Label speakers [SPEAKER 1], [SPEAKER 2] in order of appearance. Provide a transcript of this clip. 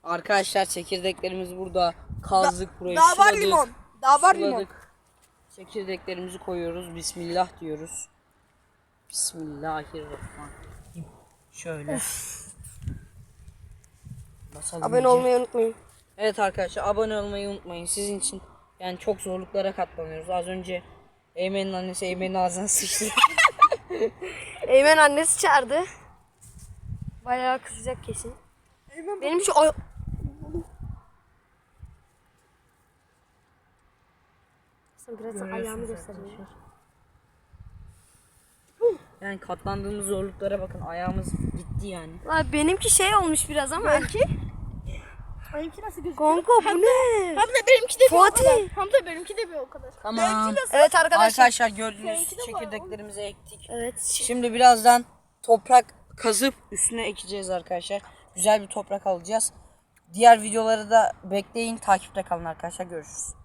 [SPEAKER 1] Arkadaşlar çekirdeklerimiz burada. Kazdık burayı.
[SPEAKER 2] Daha var
[SPEAKER 1] suladık,
[SPEAKER 2] limon. Daha var limon.
[SPEAKER 1] suladık. Çekirdeklerimizi koyuyoruz. Bismillah diyoruz. Bismillahirrahmanirrahim. Şöyle. Basalım
[SPEAKER 2] Abone
[SPEAKER 1] iyice.
[SPEAKER 2] olmayı unutmayın.
[SPEAKER 1] Evet arkadaşlar, abone olmayı unutmayın. Sizin için yani çok zorluklara katlanıyoruz. Az önce Eymen'in annesi Eymen'in ağzına sıçtı.
[SPEAKER 2] Eymen annesi çağırdı. Bayağı kızacak kesin. Benim şu biraz ayağımı göstereyim.
[SPEAKER 1] Yani katlandığımız zorluklara bakın, ayağımız gitti yani.
[SPEAKER 2] Benimki şey olmuş biraz ama.
[SPEAKER 3] Benimki nasıl gözüküyor?
[SPEAKER 2] Kanka bu ne?
[SPEAKER 3] Hamza benimki de bir o
[SPEAKER 2] Fatih.
[SPEAKER 3] kadar. Hamza benimki de bir o kadar.
[SPEAKER 1] Tamam.
[SPEAKER 2] Evet arkadaşlar.
[SPEAKER 1] Arkadaşlar gördüğünüz
[SPEAKER 3] Seninki de var
[SPEAKER 1] çekirdeklerimizi ektik.
[SPEAKER 2] Evet.
[SPEAKER 1] Şimdi birazdan toprak kazıp üstüne ekeceğiz arkadaşlar. Güzel bir toprak alacağız. Diğer videoları da bekleyin, takipte kalın arkadaşlar. Görüşürüz.